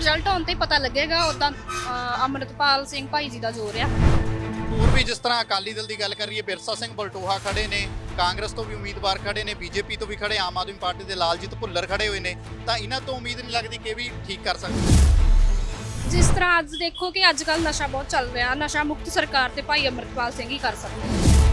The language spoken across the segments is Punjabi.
ਰਿਜ਼ਲਟ ਆਉਣ ਤੇ ਹੀ ਪਤਾ ਲੱਗੇਗਾ। ਉਦਾਂ ਅੰਮ੍ਰਿਤਪਾਲ ਸਿੰਘ ਭਾਈ ਜੀ ਦਾ ਜ਼ੋਰ ਆ। ਹੋਰ ਵੀ ਜਿਸ ਤਰ੍ਹਾਂ ਅਕਾਲੀ ਦਲ ਦੀ ਗੱਲ ਕਰੀਏ, ਬਿਰਸਾ ਸਿੰਘ ਬਲਟੋਹਾ ਖੜੇ ਨੇ, ਕਾਂਗਰਸ ਤੋਂ ਵੀ ਉਮੀਦਵਾਰ ਖੜੇ ਨੇ, ਬੀਜੇਪੀ ਤੋਂ ਵੀ ਖੜੇ, ਆਮ ਆਦਮੀ ਪਾਰਟੀ ਦੇ ਲਾਲਜੀਤ ਭੁੱਲਰ ਖੜੇ ਹੋਏ ਨੇ, ਤਾਂ ਇਹਨਾਂ ਤੋਂ ਉਮੀਦ ਨਹੀਂ ਲੱਗਦੀ ਕਿ ਇਹ ਵੀ ਠੀਕ ਕਰ ਸਕਦੇ। ਜਿਸ ਤਰ੍ਹਾਂ ਅੱਜ ਦੇਖੋ ਕਿ ਅੱਜ ਕੱਲ ਨਸ਼ਾ ਬਹੁਤ ਚੱਲ ਰਿਹਾ, ਨਸ਼ਾ ਮੁਕਤ ਸਰਕਾਰ ਤੇ ਭਾਈ ਅੰਮ੍ਰਿਤਪਾਲ ਸਿੰਘ ਹੀ ਕਰ ਸਕਦੇ।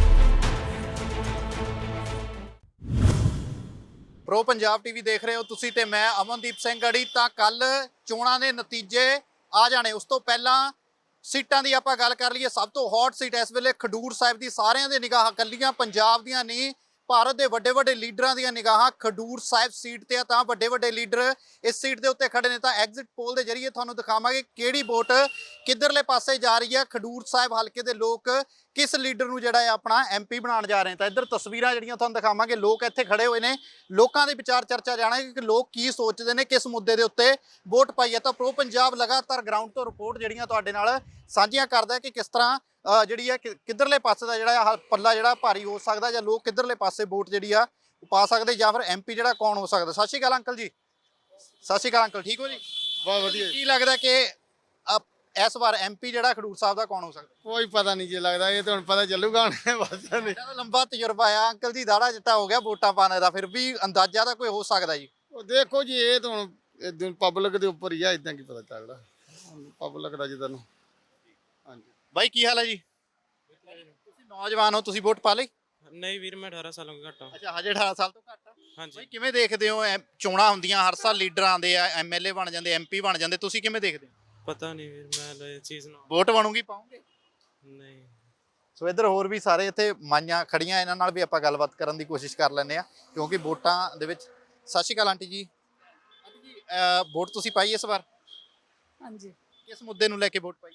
ਪ੍ਰੋ ਪੰਜਾਬ ਟੀਵੀ ਦੇਖ ਰਹੇ ਹੋ ਤੁਸੀਂ ਤੇ ਮੈਂ ਅਮਨਦੀਪ ਸਿੰਘ ਗੜੀ। ਤਾਂ ਕੱਲ ਚੋਣਾਂ ਦੇ ਨਤੀਜੇ ਆ ਜਾਣੇ, ਉਸ ਤੋਂ ਪਹਿਲਾਂ ਸੀਟਾਂ ਦੀ ਆਪਾਂ ਗੱਲ ਕਰ ਲਈਏ। ਸਭ ਤੋਂ ਹੌਟ ਸੀਟ ਇਸ ਵੇਲੇ ਖਡੂਰ ਸਾਹਿਬ ਦੀ, ਸਾਰਿਆਂ ਦੇ ਨਿਗਾਹਾਂ ਕੱਲੀਆਂ ਪੰਜਾਬ ਦੀਆਂ ਨਹੀਂ, ਭਾਰਤ ਦੇ ਵੱਡੇ ਵੱਡੇ ਲੀਡਰਾਂ ਦੀਆਂ ਨਿਗਾਹਾਂ ਖਡੂਰ ਸਾਹਿਬ ਸੀਟ ਤੇ ਆ। ਤਾਂ ਵੱਡੇ ਵੱਡੇ ਲੀਡਰ ਇਸ ਸੀਟ ਦੇ ਉੱਤੇ ਖੜੇ ਨੇ। ਤਾਂ ਐਗਜ਼ਿਟ ਪੋਲ ਦੇ ਜ਼ਰੀਏ ਤੁਹਾਨੂੰ ਦਿਖਾਵਾਂਗੇ ਕਿਹੜੀ ਵੋਟ ਕਿੱਧਰਲੇ ਪਾਸੇ ਜਾ ਰਹੀ ਹੈ। ਖਡੂਰ ਸਾਹਿਬ ਹਲਕੇ ਦੇ ਲੋਕ ਕਿਸ ਲੀਡਰ ਨੂੰ ਜਿਹੜਾ ਹੈ ਆਪਣਾ ਐਮਪੀ ਬਣਾਉਣ ਜਾ ਰਹੇ ਨੇ। ਤਾਂ ਇੱਧਰ ਤਸਵੀਰਾਂ ਜਿਹੜੀਆਂ ਤੁਹਾਨੂੰ ਦਿਖਾਵਾਂਗੇ, ਲੋਕ ਇੱਥੇ ਖੜੇ ਹੋਏ ਨੇ, ਲੋਕਾਂ ਦੇ ਵਿਚਾਰ ਚਰਚਾ ਜਾਣਾਂਗੇ ਕਿ ਲੋਕ ਕੀ ਸੋਚਦੇ ਨੇ, ਕਿਸ ਮੁੱਦੇ ਦੇ ਉੱਤੇ ਵੋਟ ਪਾਈ ਹੈ। ਤਾਂ ਪ੍ਰੋ ਪੰਜਾਬ ਲਗਾਤਾਰ ਗਰਾਊਂਡ ਤੋਂ ਰਿਪੋਰਟ ਜਿਹੜੀਆਂ ਤੁਹਾਡੇ ਨਾਲ ਸਾਂਝੀਆਂ ਕਰਦਾ ਕਿ ਕਿਸ ਤਰ੍ਹਾਂ ਜਿਹੜੀ ਆ ਕਿੱਧਰਲੇ ਪਾਸੇ ਦਾ ਜਿਹੜਾ ਪੱਲਾ ਜਿਹੜਾ ਭਾਰੀ ਹੋ ਸਕਦਾ, ਜਾਂ ਲੋਕ ਕਿੱਧਰਲੇ ਪਾਸੇ ਵੋਟ ਜਿਹੜੀ ਆ ਪਾ ਸਕਦੇ, ਜਾਂ ਫਿਰ ਐਮਪੀ ਜਿਹੜਾ ਕੌਣ ਹੋ ਸਕਦਾ। ਸਤਿ ਸ਼੍ਰੀ ਅਕਾਲ ਅੰਕਲ ਜੀ। ਸਤਿ ਸ਼੍ਰੀ ਅਕਾਲ ਅੰਕਲ, ਠੀਕ ਹੋ ਜੀ? ਬਹੁਤ ਵਧੀਆ। ਕੀ ਲੱਗਦਾ ਕਿ ਇਸ ਵਾਰ ਐਮਪੀ ਜਿਹੜਾ ਖਡੂਰ ਸਾਹਿਬ ਦਾ ਕੌਣ ਹੋ ਸਕਦਾ? ਕੋਈ ਪਤਾ ਨਹੀਂ ਜੀ ਲੱਗਦਾ, ਇਹ ਤਾਂ ਹੁਣ ਪਤਾ ਚੱਲੂਗਾ ਹੁਣ ਬਸ ਨਹੀਂ। ਇਹਦਾ ਲੰਬਾ ਤਜਰਬਾ ਆ ਅੰਕਲ ਜੀ, ਦਾੜਾ ਚਿੱਟਾ ਹੋ ਗਿਆ ਵੋਟਾਂ ਪਾਣੇ ਦਾ, ਫਿਰ ਵੀ ਅੰਦਾਜ਼ਾ ਤਾਂ ਕੋਈ ਹੋ ਸਕਦਾ ਜੀ? ਉਹ ਦੇਖੋ ਜੀ, ਇਹ ਤਾਂ ਹੁਣ ਪਬਲਿਕ ਦੇ ਉੱਪਰ ਹੀ ਆ, ਇਦਾਂ ਕੀ ਪਤਾ ਚੱਲਦਾ ਪਬਲਿਕ ਦਾ ਜਿੱਦਾਂ ਨੂੰ। ਹਾਂਜੀ ਬਾਈ ਕੀ ਹਾਲ ਹੈ ਜੀ? ਤੁਸੀਂ ਨੌਜਵਾਨ ਹੋ, ਤੁਸੀਂ ਵੋਟ ਪਾ ਲਈ? ਨਹੀਂ ਵੀਰ, ਮੈਂ 18 ਸਾਲਾਂ ਤੋਂ ਘੱਟ ਹਾਂ। ਅੱਛਾ, ਹਜੇ 18 ਸਾਲ ਤੋਂ ਘੱਟ ਆ। ਹਾਂਜੀ। ਬਾਈ ਕਿਵੇਂ ਦੇਖਦੇ ਹੋ, ਚੋਣਾਂ ਹੁੰਦੀਆਂ ਹਰ ਸਾਲ, ਲੀਡਰ ਆਉਂਦੇ ਆ, ਐਮਐਲਏ ਬਣ ਜਾਂਦੇ, ਐਮਪੀ ਬਣ ਜਾਂਦੇ, ਤੁਸੀਂ ਕਿਵੇਂ ਦੇਖਦੇ ਹੋ? ਪਤਾ ਨਹੀਂ ਵੀਰ, ਮੈਂ ਇਹ ਚੀਜ਼ ਨੂੰ ਵੋਟ ਬਣੂਗੀ, ਪਾਉਂਗੇ? ਨਹੀਂ। ਸੋ ਇੱਧਰ ਹੋਰ ਵੀ ਸਾਰੇ ਇੱਥੇ ਮਾਈਆਂ ਖੜੀਆਂ, ਇਹਨਾਂ ਨਾਲ ਵੀ ਆਪਾਂ ਗੱਲਬਾਤ ਕਰਨ ਦੀ ਕੋਸ਼ਿਸ਼ ਕਰ ਲੈਂਦੇ ਆ, ਕਿਉਂਕਿ ਵੋਟਾਂ ਦੇ ਵਿੱਚ। Sat Shri Akal aunty ji. Aunty ji, vote ਤੁਸੀਂ ਪਾਈ ਇਸ ਵਾਰ? ਹਾਂਜੀ, ਕਿਸ ਮੁੱਦੇ ਨੂੰ ਲੈ ਕੇ ਵੋਟ ਪਾਈ?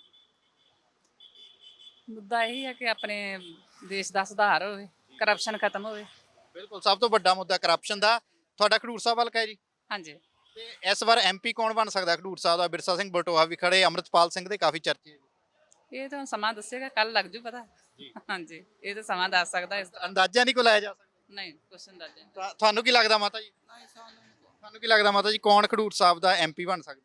ਮੁੱਦਾ ਇਹ ਹੈ ਕਿ ਆਪਣੇ ਦੇਸ਼ ਦਾ ਸੁਧਾਰ ਹੋਵੇ, ਕਰਪਸ਼ਨ ਖਤਮ ਹੋਵੇ। ਬਿਲਕੁਲ, ਸਭ ਤੋਂ ਵੱਡਾ ਮੁੱਦਾ ਕਰਪਸ਼ਨ ਦਾ। ਤੁਹਾਡਾ ਖਡੂਰ ਸਾਹਿਬ ਹਲਕਾ ਹੈ ਜੀ, ਹਾਂਜੀ, ਤੇ ਇਸ ਵਾਰ ਐਮਪੀ ਕੌਣ ਬਣ ਸਕਦਾ ਖਡੂਰ ਸਾਹਿਬ ਦਾ? ਬਿਰਸਾ ਸਿੰਘ ਬਲਟੋਹਾ ਵੀ ਖੜੇ, ਅੰਮ੍ਰਿਤਪਾਲ ਸਿੰਘ ਦੇ ਕਾਫੀ ਚਰਚੇ। ਇਹ ਤਾਂ ਸਮਾਂ ਦੱਸੇਗਾ, ਕੱਲ ਲੱਗ ਜੂ ਪਤਾ। ਹਾਂਜੀ, ਇਹ ਤਾਂ ਸਮਾਂ ਦੱਸ ਸਕਦਾ ਇਸ ਦਾ। ਅੰਦਾਜ਼ਾ ਨਹੀਂ ਕੋ ਲਾਇਆ ਜਾ ਸਕਦਾ? ਨਹੀਂ, ਕੁਛ ਅੰਦਾਜ਼ਾ ਨਹੀਂ। ਤੁਹਾਨੂੰ ਕੀ ਲੱਗਦਾ ਮਾਤਾ ਜੀ? ਤੁਹਾਨੂੰ ਕੀ ਲੱਗਦਾ ਮਾਤਾ ਜੀ, ਕੌਣ ਖਡੂਰ ਸਾਹਿਬ ਦਾ ਐਮਪੀ ਬਣ ਸਕਦਾ?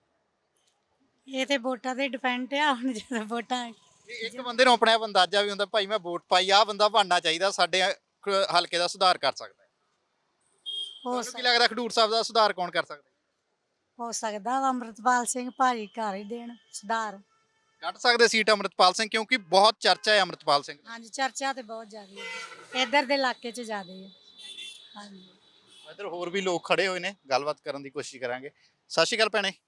ਇਹ ਤੇ ਵੋਟਾਂ ਤੇ ਡਿਪੈਂਡ ਆ, ਹੁਣ ਜਦੋਂ ਵੋਟਾਂ। ਇੱਕ ਬੰਦੇ ਨੂੰ ਆਪਣੇ ਆਪ ਅੰਦਾਜ਼ਾ ਵੀ ਹੁੰਦਾ, ਭਾਈ ਮੈਂ ਵੋਟ ਪਾਈ, ਆਹ ਬੰਦਾ ਬਣਨਾ ਚਾਹੀਦਾ, ਸਾਡੇ ਹਲਕੇ ਦਾ ਸੁਧਾਰ ਕਰ ਸਕਦਾ ਹੈ। ਤੁਹਾਨੂੰ ਕੀ ਲੱਗਦਾ ਖਡੂਰ ਸਾਹਿਬ ਦਾ ਸੁਧਾਰ ਕੌਣ ਕਰ ਸਕਦਾ? ਹੋ ਸਕਦਾ ਵਾ ਅੰਮ੍ਰਿਤਪਾਲ ਸਿੰਘ ਭਾਜੀ ਕਰ ਹੀ ਦੇਣ ਸੁਧਾਰ। ਕੱਢ ਸਕਦੇ ਸੀਟ ਅੰਮ੍ਰਿਤਪਾਲ ਸਿੰਘ, ਕਿਉਂਕਿ ਬਹੁਤ ਚਰਚਾ ਹੈ ਅੰਮ੍ਰਿਤਪਾਲ ਸਿੰਘ। ਹਾਂਜੀ, ਚਰਚਾ ਤੇ ਬਹੁਤ ਜ਼ਿਆਦਾ ਹੈ ਇੱਧਰ ਦੇ ਇਲਾਕੇ 'ਚ ਜ਼ਿਆਦਾ ਹੈ। ਹਾਂਜੀ, ਇੱਧਰ ਹੋਰ ਵੀ ਲੋਕ ਖੜੇ ਹੋਏ ਨੇ, ਗੱਲਬਾਤ ਕਰਨ ਦੀ ਕੋਸ਼ਿਸ਼ ਕਰਾਂਗੇ। ਸਤਿ ਸ਼੍ਰੀ ਅਕਾਲ ਭੈਣੇ।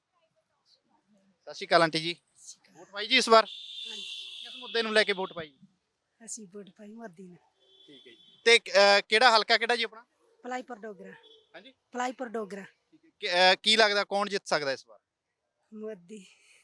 ਸਤਿ ਸ਼੍ਰੀ ਅਕਾਲ ਆਂਟੀ ਜੀ। ਵੋਟ ਪਾਈ ਜੀ ਇਸ ਵਾਰ? ਕਿਸ ਮੁੱਦੇ ਨੂੰ ਲੈ ਕੇ ਵੋਟ ਪਾਈ? ਅਸੀਂ ਵੋਟ ਪਾਈ ਮੋਦੀ ਨੇ। ਠੀਕ ਹੈ ਜੀ। ਤੇ ਕਿਹੜਾ ਹਲਕਾ ਕਿਹੜਾ ਜੀ ਆਪਣਾ? ਭਲਾਈਪੁਰ ਡੋਗਰਾ। ਹਾਂਜੀ, ਭਲਾਈਪੁਰ ਡੋਗਰਾ। ਕੀ ਲੱਗਦਾ ਕੌਣ ਜਿੱਤ ਸਕਦਾ ਇਸ ਵਾਰ? ਮੋਦੀ।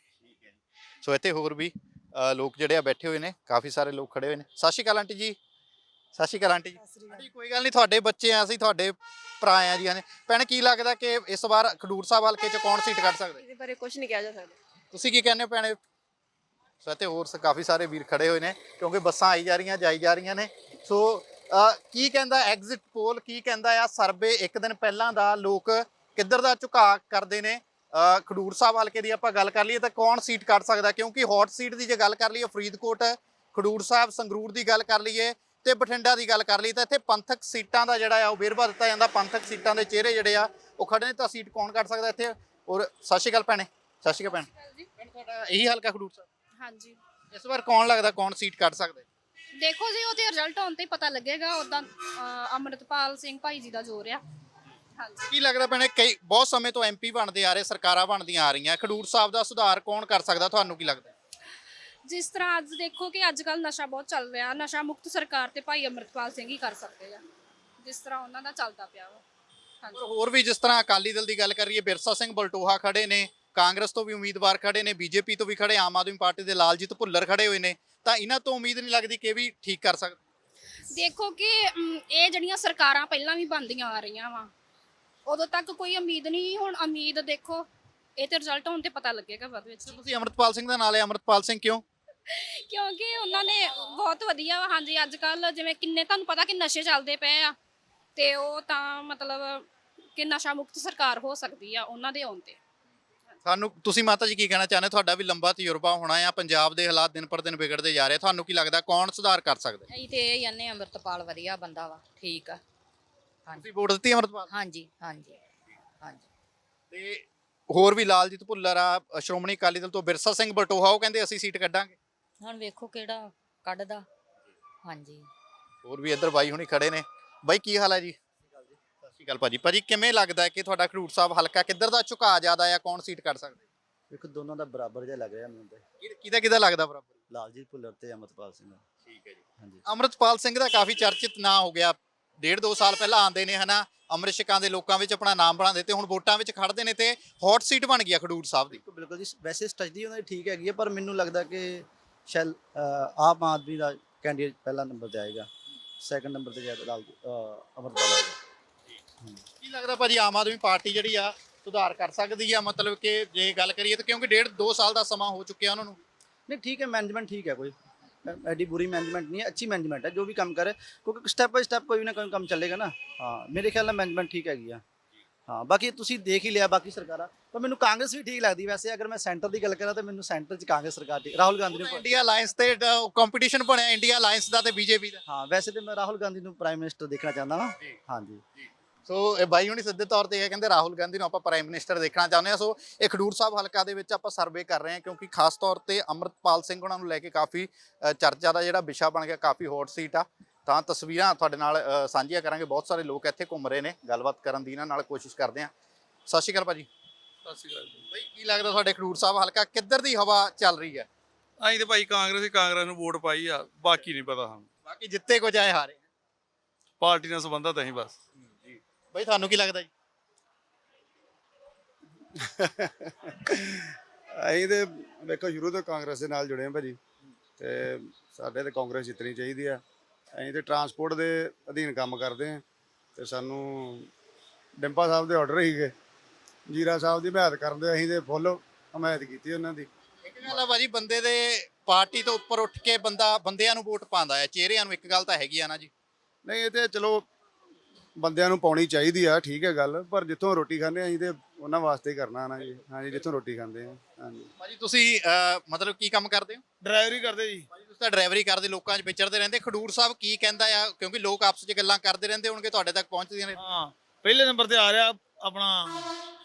ਸੋ ਇੱਥੇ ਹੋਰ ਵੀ ਲੋਕ ਜਿਹੜੇ ਆ ਬੈਠੇ ਹੋਏ ਨੇ, ਕਾਫੀ ਸਾਰੇ ਲੋਕ ਖੜੇ ਹੋਏ ਨੇ। ਸਤਿ ਸ਼੍ਰੀ ਅਕਾਲ ਆਂਟੀ ਜੀ। ਸਤਿ ਸ਼੍ਰੀ ਅਕਾਲ ਆਂਟੀ ਜੀ। ਆਂਟੀ ਕੋਈ ਗੱਲ ਨਹੀਂ, ਤੁਹਾਡੇ ਬੱਚੇ ਆ, ਅਸੀਂ ਤੁਹਾਡੇ ਭਰਾ ਆ ਜੀ ਨੇ। ਭੈਣ ਕੀ ਲੱਗਦਾ ਕਿ ਇਸ ਵਾਰ ਖਡੂਰ ਸਾਹਿਬ ਹਲਕੇ 'ਚ ਕੌਣ ਸੀਟ ਕੱਢ ਸਕਦਾ? ਇਹਦੇ ਬਾਰੇ ਕੁਝ ਨਹੀਂ ਕਿਹਾ ਜਾ ਸਕਦਾ। ਤੁਸੀਂ ਕੀ ਕਹਿੰਦੇ ਹੋ ਭੈਣੇ? ਸੋ ਇੱਥੇ ਹੋਰ ਕਾਫੀ ਸਾਰੇ ਵੀਰ ਖੜੇ ਹੋਏ ਨੇ, ਕਿਉਂਕਿ ਬੱਸਾਂ ਆਈ ਜਾ ਰਹੀਆਂ, ਜਾਈ ਜਾ ਰਹੀਆਂ ਨੇ। ਸੋ ਕੀ ਕਹਿੰਦਾ ਐਗਜ਼ਿਟ ਪੋਲ, ਕੀ ਕਹਿੰਦਾ ਆ ਸਰਵੇ ਇੱਕ ਦਿਨ ਪਹਿਲਾਂ ਦਾ, ਲੋਕ ਕਿੱਧਰ ਦਾ ਝੁਕਾਅ ਕਰਦੇ ਨੇ? ਖਡੂਰ ਸਾਹਿਬ ਹਲਕੇ ਦੀ ਆਪਾਂ ਗੱਲ ਕਰ ਲਈਏ ਤਾਂ ਕੌਣ ਸੀਟ ਕੱਢ ਸਕਦਾ? ਕਿਉਂਕਿ ਹੌਟ ਸੀਟ ਦੀ ਜੇ ਗੱਲ ਕਰ ਲਈਏ, ਫਰੀਦਕੋਟ, ਖਡੂਰ ਸਾਹਿਬ, ਸੰਗਰੂਰ ਦੀ ਗੱਲ ਕਰ ਲਈਏ ਤੇ ਬਠਿੰਡਾ ਦੀ ਗੱਲ ਕਰ ਲਈਏ, ਤਾਂ ਇੱਥੇ ਪੰਥਕ ਸੀਟਾਂ ਦਾ ਜਿਹੜਾ ਆ ਉਹ ਵੇਰਵਾ ਦਿੱਤਾ ਜਾਂਦਾ। ਪੰਥਕ ਸੀਟਾਂ ਦੇ ਚਿਹਰੇ ਜਿਹੜੇ ਆ ਉਹ ਖੜੇ ਨੇ, ਤਾਂ ਸੀਟ ਕੌਣ ਕੱਢ ਸਕਦਾ ਇੱਥੇ? ਔਰ ਸਤਿ ਸ਼੍ਰੀ ਅਕਾਲ ਭੈਣੇ। ਸਤਿ ਸ਼੍ਰੀ ਅਕਾਲ ਭੈਣ, ਤੁਹਾਡਾ ਇਹੀ ਹਲਕਾ ਖਡੂਰ ਸਾਹਿਬ? ਹਾਂਜੀ, ਇਸ ਵਾਰ ਕੌਣ ਲੱਗਦਾ ਕੌਣ ਸੀਟ ਕੱਢ ਸਕਦਾ? ਦੇਖੋ ਜੀ, ਉਹਦੇ ਰਿਜ਼ਲਟ ਆਉਣ ਤੇ ਹੀ ਪਤਾ ਲੱਗੇਗਾ। ਉਦਾਂ ਅੰਮ੍ਰਿਤਪਾਲ ਸਿੰਘ ਭਾਈ ਜੀ ਦਾ ਜ਼ੋਰ ਆ। ਹਾਂਜੀ। ਕੀ ਲੱਗਦਾ ਭੈਣੇ, ਕਈ ਬਹੁਤ ਸਮੇਂ ਤੋਂ ਐਮਪੀ ਬਣਦੇ ਆ ਰਹੇ, ਸਰਕਾਰਾਂ ਬਣਦੀਆਂ ਆ ਰਹੀਆਂ, ਖਡੂਰ ਸਾਹਿਬ ਦਾ ਸੁਧਾਰ ਕੌਣ ਕਰ ਸਕਦਾ? ਤੁਹਾਨੂੰ ਕੀ ਲੱਗਦਾ? ਜਿਸ ਤਰ੍ਹਾਂ ਅੱਜ ਦੇਖੋ ਕਿ ਅੱਜ ਕੱਲ ਨਸ਼ਾ ਬਹੁਤ ਚੱਲ ਰਿਹਾ, ਨਸ਼ਾ ਮੁਕਤ ਸਰਕਾਰ ਤੇ ਭਾਈ ਅੰਮ੍ਰਿਤਪਾਲ ਸਿੰਘ ਹੀ ਕਰ ਸਕਦੇ ਆ, ਜਿਸ ਤਰ੍ਹਾਂ ਉਹਨਾਂ ਦਾ ਚੱਲਦਾ ਪਿਆ ਵਾ। ਹਾਂਜੀ। ਹੋਰ ਵੀ ਜਿਸ ਤਰ੍ਹਾਂ ਅਕਾਲੀ ਦਲ ਦੀ ਗੱਲ ਕਰੀਏ, ਬਿਰਸਾ ਸਿੰਘ ਬਲਟੋਹਾ ਖੜੇ ਨੇ, ਕਾਂਗਰਸ ਤੋਂ ਵੀ ਉਮੀਦਵਾਰ ਖੜੇ ਨੇ, ਬੀਜੇਪੀ ਤੋਂ ਵੀ ਖੜੇ, ਆਮ ਆਦਮੀ ਪਾਰਟੀ ਦੇ ਲਾਲਜੀਤ ਭੁੱਲਰ ਖੜੇ ਹੋਏ ਨੇ, ਤਾਂ ਇਹਨਾਂ ਤੋਂ ਉਮੀਦ ਨਹੀਂ ਲੱਗਦੀ ਕਿ ਇਹ ਵੀ ਠੀਕ ਕਰ ਸਕਦੇ? ਦੇਖੋ ਕਿ ਇਹ ਜਿਹੜੀਆਂ ਸਰਕਾਰਾਂ ਪਹਿਲਾਂ ਵੀ ਬਣਦੀਆਂ ਆ ਰਹੀਆਂ ਵਾ, ਉਦੋਂ ਤੱਕ ਕੋਈ ਉਮੀਦ ਨਹੀਂ। ਹੁਣ ਉਮੀਦ ਦੇਖੋ, ਇਹ ਤੇ ਰਿਜ਼ਲਟ ਹੋਣ ਤੇ ਪਤਾ ਲੱਗੇਗਾ ਬਾਅਦ ਵਿੱਚ। ਤੁਸੀਂ ਅੰਮ੍ਰਿਤਪਾਲ ਸਿੰਘ ਦਾ ਨਾਂ ਲਿਆ, ਅੰਮ੍ਰਿਤਪਾਲ ਸਿੰਘ ਕਿਉਂ? ਕਿਉਂਕਿ ਉਹਨਾਂ ਨੇ ਬਹੁਤ ਵਧੀਆ ਵਾ। ਹਾਂਜੀ, ਅੱਜ ਕੱਲ ਜਿਵੇਂ ਕਿੰਨੇ ਤੁਹਾਨੂੰ ਪਤਾ ਕਿ ਨਸ਼ੇ ਚੱਲਦੇ ਪਏ ਆ, ਤੇ ਉਹ ਤਾਂ ਮਤਲਬ ਕਿ ਨਸ਼ਾ ਮੁਕਤ ਸਰਕਾਰ ਹੋ ਸਕਦੀ ਆ ਉਹਨਾਂ ਦੇ ਆਉਣ ਤੇ। ਸਾਨੂੰ ਤੁਸੀਂ ਮਾਤਾ ਜੀ ਕੀ ਕਹਿਣਾ ਚਾਹੁੰਦੇ? ਤੁਹਾਡਾ ਵੀ ਲੰਬਾ ਤਜਰਬਾ ਹੋਣਾ ਆ, ਪੰਜਾਬ ਦੇ ਹਾਲਾਤ ਦਿਨ ਪਰ ਦਿਨ ਵਿਗੜਦੇ ਜਾ ਰਹੇ, ਤੁਹਾਨੂੰ ਕੀ ਲੱਗਦਾ ਕੌਣ ਸੁਧਾਰ ਕਰ ਸਕਦਾ? ਅਸੀਂ ਤੇ ਇਹ ਕਹਿੰਦੇ ਅੰਮ੍ਰਿਤਪਾਲ ਵਧੀਆ ਬੰਦਾ ਵਾ, ਠੀਕ ਆ। ਤੁਸੀਂ ਵੋਟ ਦਿੱਤੀ ਅਮਰਪਾਲ? ਹਾਂਜੀ ਹਾਂਜੀ ਹਾਂਜੀ। ਤੇ ਹੋਰ ਵੀ ਲਾਲਜੀਤ ਭੁੱਲਰ ਆ, ਸ਼੍ਰੋਮਣੀ ਅਕਾਲੀ ਦਲ ਤੋਂ ਬਿਰਸਾ ਸਿੰਘ ਬਟੋਹਾ, ਉਹ ਕਹਿੰਦੇ ਅਸੀਂ ਸੀਟ ਕੱਢਾਂਗੇ। ਹੁਣ ਵੇਖੋ ਕਿਹੜਾ ਕੱਢਦਾ। ਹਾਂਜੀ। ਹੋਰ ਵੀ ਇੱਧਰ ਬਾਈ ਹੁਣੀ ਖੜੇ ਨੇ। ਬਾਈ ਕੀ ਹਾਲ ਹੈ ਜੀ? ਸਤਿ ਸ਼੍ਰੀ ਅਕਾਲ ਭਾਜੀ। ਭਾਜੀ ਕਿਵੇਂ ਲੱਗਦਾ ਹੈ ਕਿ ਤੁਹਾਡਾ ਖਡੂਰ ਸਾਹਿਬ ਹਲਕਾ ਕਿੱਧਰ ਦਾ ਝੁਕਾਅ ਜ਼ਿਆਦਾ ਆ, ਕੌਣ ਸੀਟ ਕੱਢ ਸਕਦਾ? ਇੱਕ ਦੋਨਾਂ ਦਾ ਬਰਾਬਰ ਜਿਹਾ ਲੱਗ ਰਿਹਾ ਮੈਨੂੰ ਤੇ। ਕਿਹਦਾ ਲੱਗਦਾ ਬਰਾਬਰ? ਲਾਲਜੀਤ ਭੁੱਲਰ ਤੇ ਅਮਰਪਾਲ ਸਿੰਘ। ਠੀਕ ਹੈ ਜੀ। ਹਾਂਜੀ। ਅਮਰਤਪਾਲ ਸਿੰਘ ਦਾ ਕਾਫੀ ਚਰਚਿਤ ਨਾਂ ਹੋ ਗਿਆ, 1.5-2 ਸਾਲ ਪਹਿਲਾਂ ਆਉਂਦੇ ਨੇ ਹਨਾ, ਅੰਮ੍ਰਿਤ ਛਕਾਂ ਦੇ ਲੋਕਾਂ ਵਿੱਚ ਆਪਣਾ ਨਾਮ ਬਣਾਉਂਦੇ ਤੇ ਹੁਣ ਵੋਟਾਂ ਵਿੱਚ ਖੜਦੇ ਨੇ ਤੇ ਹੌਟ ਸੀਟ ਬਣ ਗਈ ਆ ਖਡੂਰ ਸਾਹਿਬ ਦੀ। ਬਿਲਕੁਲ ਜੀ, ਵੈਸੇ ਸਟ੍ਰੈਟਜੀ ਉਹਨਾਂ ਦੀ ਠੀਕ ਹੈਗੀ ਹੈ, ਪਰ ਮੈਨੂੰ ਲੱਗਦਾ ਕਿ ਸ਼ੈਲ ਆਮ ਆਦਮੀ ਦਾ ਕੈਂਡੀਡੇਟ ਪਹਿਲਾ ਨੰਬਰ ਤੇ ਆਏਗਾ, ਸੈਕੰਡ ਨੰਬਰ ਤੇ ਜਾਏਗਾ ਅਮਰਪਾਲ ਆਏਗਾ। ਕੀ ਲੱਗਦਾ ਭਾਜੀ ਆਮ ਆਦਮੀ ਪਾਰਟੀ ਜਿਹੜੀ ਆ ਸੁਧਾਰ ਕਰ ਸਕਦੀ ਆ? ਮਤਲਬ ਕਿ ਜੇ ਗੱਲ ਕਰੀਏ ਤਾਂ ਕਿਉਂਕਿ 1.5-2 ਸਾਲ ਦਾ ਸਮਾਂ ਹੋ ਚੁੱਕਿਆ ਉਹਨਾਂ ਨੂੰ। ਨਹੀਂ ਠੀਕ ਹੈ, ਮੈਨੇਜमेंट ਠੀਕ ਹੈ, ਕੋਈ ਐਡੀ बुरी मैनेजमेंट नहीं है, अच्छी मैनेजमेंट है, जो भी काम करे क्योंकि स्टेप बाय स्टेप कोई ना कोई काम चलेगा ना। हाँ मेरे ख्याल में मैनेजमेंट ठीक हैगी ਆ। ਹਾਂ ਬਾਕੀ ਤੁਸੀਂ ਦੇਖ ਹੀ ਲਿਆ ਬਾਕੀ ਸਰਕਾਰਾਂ, ਪਰ ਮੈਨੂੰ ਕਾਂਗਰਸ ਵੀ ਠੀਕ ਲੱਗਦੀ। ਵੈਸੇ ਅਗਰ ਮੈਂ ਸੈਂਟਰ ਦੀ ਗੱਲ ਕਰਾਂ ਤਾਂ ਮੈਨੂੰ ਸੈਂਟਰ 'ਚ ਕਾਂਗਰਸ ਸਰਕਾਰ ਠੀਕ, ਰਾਹੁਲ ਗਾਂਧੀ ਨੂੰ। ਇੰਡੀਆ ਅਲਾਈਅੰਸ ਤੇ ਕੰਪੀਟੀਸ਼ਨ ਬਣਿਆ ਇੰਡੀਆ ਅਲਾਈਅੰਸ ਦਾ ਤੇ ਬੀਜੇਪੀ ਦਾ। ਹਾਂ ਵੈਸੇ ਤੇ ਮੈਂ ਰਾਹੁਲ ਗਾਂਧੀ ਨੂੰ ਪ੍ਰਾਈਮ ਮਿਨਿਸਟਰ ਦੇਖਣਾ ਚਾਹੁੰਦਾ ਹਾਂ। ਹਾਂਜੀ। ਸੋ ਇਹ ਬਾਈ ਹੁਣੀ ਸਿੱਧੇ ਤੌਰ ਤੇ ਇਹ ਕਹਿੰਦੇ ਰਾਹੁਲ ਗਾਂਧੀ ਨੂੰ ਆਪਾਂ ਪ੍ਰਾਈਮ ਮਿਨਿਸਟਰ ਦੇਖਣਾ ਚਾਹੁੰਦੇ ਹਾਂ। ਸੋ ਇਹ ਖਡੂਰ ਸਾਹਿਬ ਹਲਕਾ ਦੇ ਵਿੱਚ ਆਪਾਂ ਸਰਵੇ ਕਰ ਰਹੇ ਹਾਂ ਕਿਉਂਕਿ ਖਾਸ ਤੌਰ ਤੇ ਅਮਰਤਪਾਲ ਸਿੰਘ ਉਹਨਾਂ ਨੂੰ ਲੈ ਕੇ ਕਾਫੀ ਚਰਚਾ ਦਾ ਜਿਹੜਾ ਵਿਸ਼ਾ ਬਣ ਗਿਆ, ਕਾਫੀ ਹੌਟ ਸੀਟ ਆ। ਤਾਂ ਤਸਵੀਰਾਂ ਤੁਹਾਡੇ ਨਾਲ ਸਾਂਝੀਆਂ ਕਰਾਂਗੇ, ਬਹੁਤ ਸਾਰੇ ਲੋਕ ਇੱਥੇ ਘੁੰਮ ਰਹੇ ਨੇ, ਗੱਲਬਾਤ ਕਰਨ ਦੀ ਇਹਨਾਂ ਨਾਲ ਕੋਸ਼ਿਸ਼ ਕਰਦੇ ਹਾਂ। ਸਤਿ ਸ਼੍ਰੀ ਅਕਾਲ ਭਾਜੀ। ਸਤਿ ਸ਼੍ਰੀ ਅਕਾਲ ਜੀ। ਬਾਈ ਕੀ ਲੱਗਦਾ ਤੁਹਾਡੇ ਖਡੂਰ ਸਾਹਿਬ ਹਲਕਾ ਕਿੱਧਰ ਦੀ ਹਵਾ ਚੱਲ ਰਹੀ ਹੈ? ਅਸੀਂ ਤੇ ਭਾਈ ਕਾਂਗਰਸ ਨੂੰ ਵੋਟ ਪਾਈ ਆ, ਬਾਕੀ ਨਹੀਂ ਪਤਾ ਸਾਨੂੰ। ਬਾਕੀ ਜਿੱਤੇ ਕੁਝ ਆਏ ਹਾਰੇ ਪਾਰਟੀ ਨਾਲ ਸੰਬੰਧਤ ਅਸੀਂ ਬਸ। ਬਾਈ ਤੁਹਾਨੂੰ ਕੀ ਲੱਗਦਾ ਜੀ? ਅਸੀਂ ਤੇ ਵੇਖੋ ਸ਼ੁਰੂ ਤੋਂ ਕਾਂਗਰਸ ਦੇ ਨਾਲ ਜੁੜੇ ਹਾਂ ਭਾਜੀ, ਤੇ ਸਾਡੇ ਤੇ ਕਾਂਗਰਸ ਜਿੱਤਣੀ ਚਾਹੀਦੀ ਆ। ਅਸੀਂ ਤੇ ਟਰਾਂਸਪੋਰਟ ਦੇ ਅਧੀਨ ਕੰਮ ਕਰਦੇ ਹਾਂ ਤੇ ਸਾਨੂੰ ਡਿੰਪਾ ਸਾਹਿਬ ਦੇ ਆਰਡਰ ਸੀਗੇ ਜੀਰਾ ਸਾਹਿਬ ਦੀ ਹਮਾਇਤ ਕਰਨ ਦੇ, ਅਸੀਂ ਤੇ ਫੁੱਲ ਹਮਾਇਤ ਕੀਤੀ ਉਹਨਾਂ ਦੀ। ਇੱਕ ਗੱਲ ਆ ਭਾਜੀ, ਬੰਦੇ ਦੇ ਪਾਰਟੀ ਤੋਂ ਉੱਪਰ ਉੱਠ ਕੇ ਬੰਦਿਆਂ ਨੂੰ ਵੋਟ ਪਾਉਂਦਾ ਹੈ, ਚਿਹਰਿਆਂ ਨੂੰ। ਇੱਕ ਗੱਲ ਤਾਂ ਹੈਗੀ ਆ ਨਾ ਜੀ। ਨਹੀਂ ਇਹ ਤੇ ਚਲੋ ਬੰਦਿਆਂ ਨੂੰ ਪਾਉਣੀ ਚਾਹੀਦੀ ਆ, ਠੀਕ ਹੈ ਗੱਲ, ਪਰ ਜਿੱਥੋਂ ਰੋਟੀ ਖਾਂਦੇ ਅਸੀਂ ਤੇ ਉਹਨਾਂ ਵਾਸਤੇ ਹੀ ਕਰਨਾ ਨਾ ਜੀ। ਹਾਂਜੀ ਜਿੱਥੋਂ ਰੋਟੀ ਖਾਂਦੇ ਆ। ਹਾਂਜੀ ਭਾਜੀ ਤੁਸੀਂ ਮਤਲਬ ਕੀ ਕੰਮ ਕਰਦੇ ਹੋ? ਡਰਾਈਵਰੀ ਕਰਦੇ ਜੀ। ਭਾਜੀ ਤੁਸੀਂ ਤਾਂ ਡਰਾਈਵਰੀ ਕਰਦੇ, ਲੋਕਾਂ 'ਚ ਵਿਚਰਦੇ ਰਹਿੰਦੇ। ਖਡੂਰ ਸਾਹਿਬ ਕੀ ਕਹਿੰਦਾ ਆ? ਕਿਉਂਕਿ ਲੋਕ ਆਪਸ 'ਚ ਗੱਲਾਂ ਕਰਦੇ ਰਹਿੰਦੇ ਹੋਣਗੇ, ਤੁਹਾਡੇ ਤੱਕ ਪਹੁੰਚਦੀਆਂ ਨੇ। ਹਾਂ ਪਹਿਲੇ ਨੰਬਰ ਤੇ ਆ ਰਿਹਾ ਆਪਣਾ,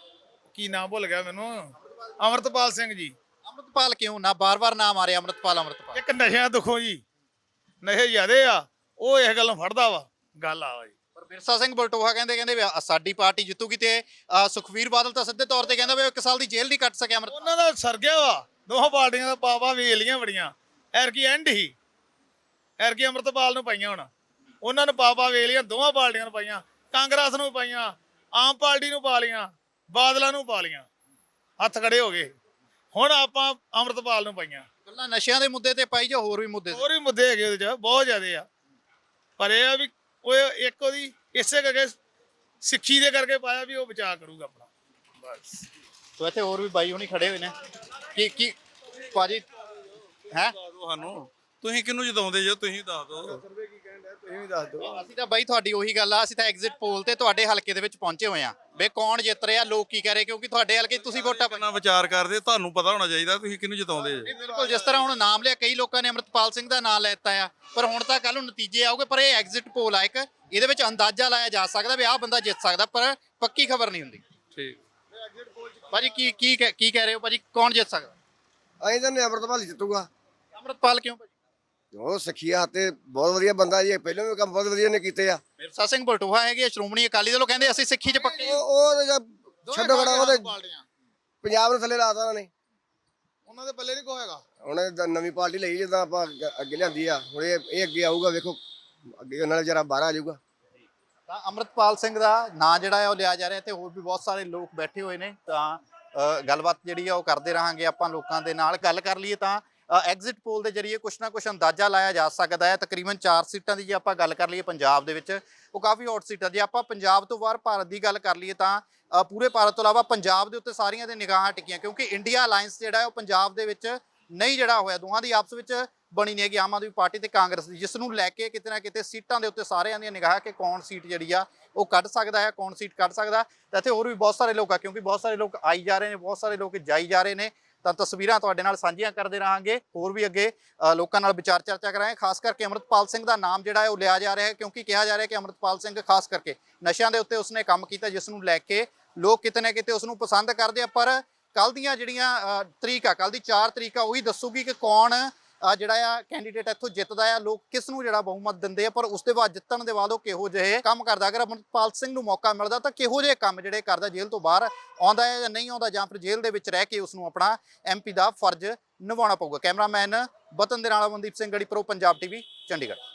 ਕੀ ਨਾਮ ਭੁੱਲ ਗਿਆ ਮੈਨੂੰ, ਅਮਰਤਪਾਲ ਸਿੰਘ ਜੀ। ਅਮਰਤਪਾਲ ਕਿਉਂ ਨਾ ਬਾਰ-ਬਾਰ ਨਾਮ ਆ ਰਿਹਾ ਅਮਰਤਪਾਲ ਅਮਰਤਪਾਲ? ਇੱਕ ਨਸ਼ਿਆਂ ਦੁੱਖੋਂ ਜੀ, ਨਸ਼ੇ ਜ਼ਿਆਦੇ ਆ, ਉਹ ਇਸ ਗੱਲੋਂ ਫੜਦਾ ਵਾ ਗੱਲ ਆ ਜੀ। ਪਰ ਬਿਰਸਾ ਸਿੰਘ ਬਲਟੋਹਾ ਕਹਿੰਦੇ ਵੀ ਸਾਡੀ ਪਾਰਟੀ ਜਿੱਤੂਗੀ ਤੇ ਸੁਖਵੀਰ ਬਾਦਲ ਤਾਂ ਸਿੱਧੇ ਤੌਰ ਤੇ ਕਹਿੰਦਾ ਵੀ 1 ਸਾਲ ਦੀ ਜੇਲ੍ਹ ਨਹੀਂ ਕੱਟ ਸਕਿਆ ਅਮਰਤਪਾਲ। ਉਹਨਾਂ ਦਾ ਸਰ ਗਿਆ ਵਾ, ਦੋਹਾਂ ਪਾਰਟੀਆਂ ਦਾ ਪਾਪਾ ਵੇਲੀਆਂ ਬੜੀਆਂ। ਐਰਕੀ ਐਂਡ ਹੀ, ਐਰਕੀ ਅਮਰਤਪਾਲ ਨੂੰ ਪਾਈਆਂ, ਹੁਣ ਉਹਨਾਂ ਨੂੰ ਪਾਪਾ ਵੇਲੀਆਂ ਦੋਹਾਂ ਪਾਰਟੀਆਂ ਨੂੰ ਪਾਈਆਂ, ਕਾਂਗਰਸ ਨੂੰ ਪਾਈਆਂ, ਆਮ ਪਾਰਟੀ ਨੂੰ ਪਾ ਲੀਆਂ, ਬਾਦਲਾਂ ਨੂੰ ਪਾ ਲੀਆਂ, ਹੱਥ ਖੜੇ ਹੋ ਗਏ। ਹੁਣ ਆਪਾਂ ਅਮਰਤਪਾਲ ਨੂੰ ਪਾਈਆਂ। ਗੱਲਾਂ ਨਸ਼ਿਆਂ ਦੇ ਮੁੱਦੇ ਤੇ ਪਾਈ ਜਾਂ ਹੋਰ ਵੀ ਮੁੱਦੇ? ਹੋਰ ਵੀ ਮੁੱਦੇ ਹੈਗੇ ਉਹਦੇ 'ਚ, ਬਹੁਤ ਜ਼ਿਆਦੇ ਆ, ਪਰ ਇਹ ਆ ਵੀ ਉਹ ਇੱਕ ਉਹਦੀ ਇਸੇ ਕਰਕੇ ਸਿੱਖੀ ਦੇ ਕਰਕੇ ਪਾਇਆ ਵੀ ਉਹ ਬਚਾ ਕਰੂਗਾ ਆਪਣਾ ਬਸ। ਸੋ ਇੱਥੇ ਹੋਰ ਵੀ ਬਾਈ ਹੁਣੀ ਖੜੇ ਹੋਏ ਨੇ। ਕੀ ਭਾਜੀ ਹੈ ਸਾਨੂੰ ਤੁਸੀਂ ਕਿਹਨੂੰ ਜਿਤਾਉਂਦੇ ਜੇ? ਤੁਸੀਂ ਦੱਸ ਦਿਓ। ਤੁਸੀਂ ਵੀ ਦੱਸ ਦਿਓ। ਅਸੀਂ ਤਾਂ ਬਾਈ ਤੁਹਾਡੀ ਉਹੀ ਗੱਲ ਆ, ਅਸੀਂ ਤਾਂ ਐਗਜ਼ਿਟ ਪੋਲ ਤੇ ਤੁਹਾਡੇ ਹਲਕੇ ਦੇ ਵਿੱਚ ਪਹੁੰਚੇ ਹੋਏ ਆ ਵੇ ਕੌਣ ਜਿੱਤ ਰਿਹਾ, ਲੋਕ ਕੀ ਕਹਿ ਰਹੇ, ਕਿਉਂਕਿ ਤੁਹਾਡੇ ਹਲਕੇ ਤੁਸੀਂ ਵੋਟਾਂ ਕਿੰਨਾ ਵਿਚਾਰ ਕਰਦੇ, ਤੁਹਾਨੂੰ ਪਤਾ ਹੋਣਾ ਚਾਹੀਦਾ ਤੁਸੀਂ ਕਿਹਨੂੰ ਜਿਤਾਉਂਦੇ ਜੇ। ਬਿਲਕੁਲ, ਜਿਸ ਤਰ੍ਹਾਂ ਹੁਣ ਨਾਮ ਲਿਆ, ਕਈ ਲੋਕਾਂ ਨੇ ਅਮਰਤਪਾਲ ਸਿੰਘ ਦਾ ਨਾਮ ਲੈ ਦਿੱਤਾ ਆ, ਪਰ ਹੁਣ ਤਾਂ ਕੱਲ ਨੂੰ ਨਤੀਜੇ ਆਉਗੇ। ਪਰ ਇਹ ਐਗਜ਼ਿਟ ਪੋਲ ਆ ਇੱਕ, ਇਹਦੇ ਵਿੱਚ ਅੰਦਾਜ਼ਾ ਲਾਇਆ ਜਾ ਸਕਦਾ ਵੀ ਆਹ ਬੰਦਾ ਜਿੱਤ ਸਕਦਾ, ਪਰ ਪੱਕੀ ਖਬਰ ਨਹੀਂ ਹੁੰਦੀ। ਠੀਕ ਭਾਜੀ ਕੀ ਕਹਿ ਰਹੇ ਹੋ ਭਾਜੀ, ਕੌਣ ਜਿੱਤ ਸਕਦਾ? ਅਸੀਂ ਤਾਂ ਅਮਰਤਪਾਲ ਜਿੱਤੂਗਾ। ਅਮਰਤਪਾਲ ਕਿਉਂ ਭਾਜੀ? ਉਹ ਸਖੀਆ ਤੇ ਬਹੁਤ ਵਧੀਆ ਬੰਦਾ ਜੀ, ਪਹਿਲਾਂ ਵੀ ਕੰਮ ਬਹੁਤ ਵਧੀਆ ਨੇ ਕੀਤੇ ਆ। ਬਿਰਸਾ ਸਿੰਘ ਬਲਟੋਹਾ ਹੈਗੇ ਸ਼੍ਰੋਮਣੀ ਅਕਾਲੀ ਦਲੋਂ, ਕਹਿੰਦੇ ਅਸੀਂ ਸਿੱਖੀ 'ਚ ਪੱਕੇ। ਉਹ ਛੱਡੋ ਖੜਾ, ਉਹਦੇ ਪੰਜਾਬ ਨੂੰ ਥੱਲੇ ਲਾਤਾ ਉਹਨਾਂ ਨੇ। ਉਹਨਾਂ ਦੇ ਪੱਲੇ ਨਹੀਂ ਕੋ ਹੈਗਾ। ਉਹਨੇ ਨਵੀਂ ਪਾਰਟੀ ਲਈ, ਜਿੱਦਾਂ ਆਪਾਂ ਅੱਗੇ ਲਿਆਂਦੀ ਆ, ਹੁਣ ਇਹ ਅੱਗੇ ਆਊਗਾ, ਵੇਖੋ ਅੱਗੇ ਉਹਨਾਂ ਜਰਾ ਬਾਹਰ ਆ ਜਾਊਗਾ। ਤਾਂ ਅਮਰਤਪਾਲ ਸਿੰਘ ਦਾ ਨਾਂ ਜਿਹੜਾ ਹੈ ਉਹ ਲਿਆ ਜਾ ਰਿਹਾ ਤੇ ਹੋਰ ਵੀ ਬਹੁਤ ਸਾਰੇ ਲੋਕ ਬੈਠੇ ਹੋਏ ਨੇ। ਤਾਂ ਗੱਲਬਾਤ ਜਿਹੜੀ ਆ ਉਹ ਕਰਦੇ ਰਹਾਂਗੇ ਆਪਾਂ ਲੋਕਾਂ ਦੇ ਨਾਲ। ਗੱਲ ਕਰ ਲਈਏ ਤਾਂ ਐਗਜ਼ਿਟ ਪੋਲ ਦੇ ਜਰੀਏ ਕੁਛ ਨਾ ਕੁਛ ਅੰਦਾਜ਼ਾ ਲਾਇਆ ਜਾ ਸਕਦਾ ਹੈ। ਤਕਰੀਬਨ 4 ਸੀਟਾਂ ਦੀ ਜੇ ਆਪਾਂ ਗੱਲ ਕਰ ਲਈਏ ਪੰਜਾਬ ਦੇ ਵਿੱਚ, ਉਹ ਕਾਫੀ ਹੌਟ ਸੀਟਾਂ। ਜੇ ਆਪਾਂ ਪੰਜਾਬ ਤੋਂ ਬਾਹਰ ਭਾਰਤ ਦੀ ਗੱਲ ਕਰ ਲਈਏ ਤਾਂ ਪੂਰੇ ਭਾਰਤ ਤੋਂ ਇਲਾਵਾ ਪੰਜਾਬ ਦੇ ਉੱਤੇ ਸਾਰੀਆਂ ਦੇ ਨਿਗਾਹਾਂ ਟਿਕੀਆਂ, ਕਿਉਂਕਿ ਇੰਡੀਆ ਅਲਾਈਅੰਸ ਜਿਹੜਾ ਹੈ ਉਹ ਪੰਜਾਬ ਦੇ ਵਿੱਚ ਨਹੀਂ ਜਿਹੜਾ ਹੋਇਆ। ਦੋਹਾਂ ਦੀ ਆਪਸ ਵਿੱਚ ਬਣੀ ਨਹੀਂ ਹੈਗੀ ਆਮ ਆਦਮੀ ਪਾਰਟੀ ਤੇ ਕਾਂਗਰਸ ਦੀ, ਜਿਸ ਨੂੰ ਲੈ ਕੇ ਕਿਤੇ ਨਾ ਕਿਤੇ ਸੀਟਾਂ ਦੇ ਉੱਤੇ ਸਾਰਿਆਂ ਦੀਆਂ ਨਿਗਾਹ ਕਿ ਕੌਣ ਸੀਟ ਜਿਹੜੀ ਆ ਉਹ ਕੱਢ ਸਕਦਾ ਹੈ, ਕੌਣ ਸੀਟ ਕੱਢ ਸਕਦਾ। ਤਾਂ ਇੱਥੇ ਹੋਰ ਵੀ ਬਹੁਤ ਸਾਰੇ ਲੋਕ ਆ, ਕਿਉਂਕਿ ਬਹੁਤ ਸਾਰੇ ਲੋਕ ਆਈ ਜਾ ਰਹੇ ਨੇ, ਬਹੁਤ ਸਾਰੇ ਲੋਕ ਜਾਈ ਜਾ ਰਹੇ ਨੇ, ਤਾਂ ਤਸਵੀਰਾਂ ਤੁਹਾਡੇ ਨਾਲ ਸਾਂਝੀਆਂ ਕਰਦੇ ਰਹਾਂਗੇ। ਹੋਰ ਵੀ ਅੱਗੇ ਲੋਕਾਂ ਨਾਲ ਵਿਚਾਰ ਚਰਚਾ ਕਰਾਂਗੇ। ਖਾਸ ਕਰਕੇ ਅੰਮ੍ਰਿਤਪਾਲ ਸਿੰਘ ਦਾ ਨਾਮ ਜਿਹੜਾ ਹੈ ਉਹ ਲਿਆ ਜਾ ਰਿਹਾ ਹੈ, ਕਿਉਂਕਿ ਕਿਹਾ ਜਾ ਰਿਹਾ ਹੈ ਕਿ ਅੰਮ੍ਰਿਤਪਾਲ ਸਿੰਘ ਖਾਸ ਕਰਕੇ ਨਸ਼ਿਆਂ ਦੇ ਉੱਤੇ ਉਸਨੇ ਕੰਮ ਕੀਤਾ, ਜਿਸ ਨੂੰ ਲੈ ਕੇ ਲੋਕ ਕਿਤੇ ਨਾ ਕਿਤੇ ਉਸਨੂੰ ਪਸੰਦ ਕਰਦੇ ਆ। ਪਰ ਕੱਲ ਦੀਆਂ ਜਿਹੜੀਆਂ ਤਰੀਕ ਆ, ਕੱਲ ਦੀ 4 ਤਰੀਕ ਆ, ਉਹੀ ਦੱਸੂਗੀ ਕਿ ਕੌਣ ਜਿਹੜਾ ਆ ਕੈਂਡੀਡੇਟ ਇੱਥੋਂ ਜਿੱਤਦਾ ਆ, ਲੋਕ ਕਿਸ ਨੂੰ ਜਿਹੜਾ ਬਹੁਮਤ ਦਿੰਦੇ ਆ। ਪਰ ਉਸ ਦੇ ਬਾਅਦ ਜਿੱਤਣ ਦੇ ਬਾਅਦ ਉਹ ਕਿਹੋ ਜਿਹੇ ਕੰਮ ਕਰਦਾ, ਅਗਰ ਅੰਮ੍ਰਿਤਪਾਲ ਸਿੰਘ ਨੂੰ ਮੌਕਾ ਮਿਲਦਾ ਤਾਂ ਕਿਹੋ ਜਿਹੇ ਕੰਮ ਜਿਹੜੇ ਕਰਦਾ, ਜੇਲ੍ਹ ਤੋਂ ਬਾਹਰ ਆਉਂਦਾ ਹੈ ਜਾਂ ਨਹੀਂ ਆਉਂਦਾ, ਜਾਂ ਫਿਰ ਜੇਲ੍ਹ ਦੇ ਵਿੱਚ ਰਹਿ ਕੇ ਉਸ ਨੂੰ ਆਪਣਾ MP ਦਾ ਫਰਜ਼ ਨਿਭਾਉਣਾ ਪਊਗਾ। ਕੈਮਰਾਮੈਨ ਵਤਨ ਦੇ ਨਾਲ ਅਮਨਦੀਪ ਸਿੰਘ ਗੜੀ, ਪ੍ਰੋ ਪੰਜਾਬ TV, ਚੰਡੀਗੜ੍ਹ।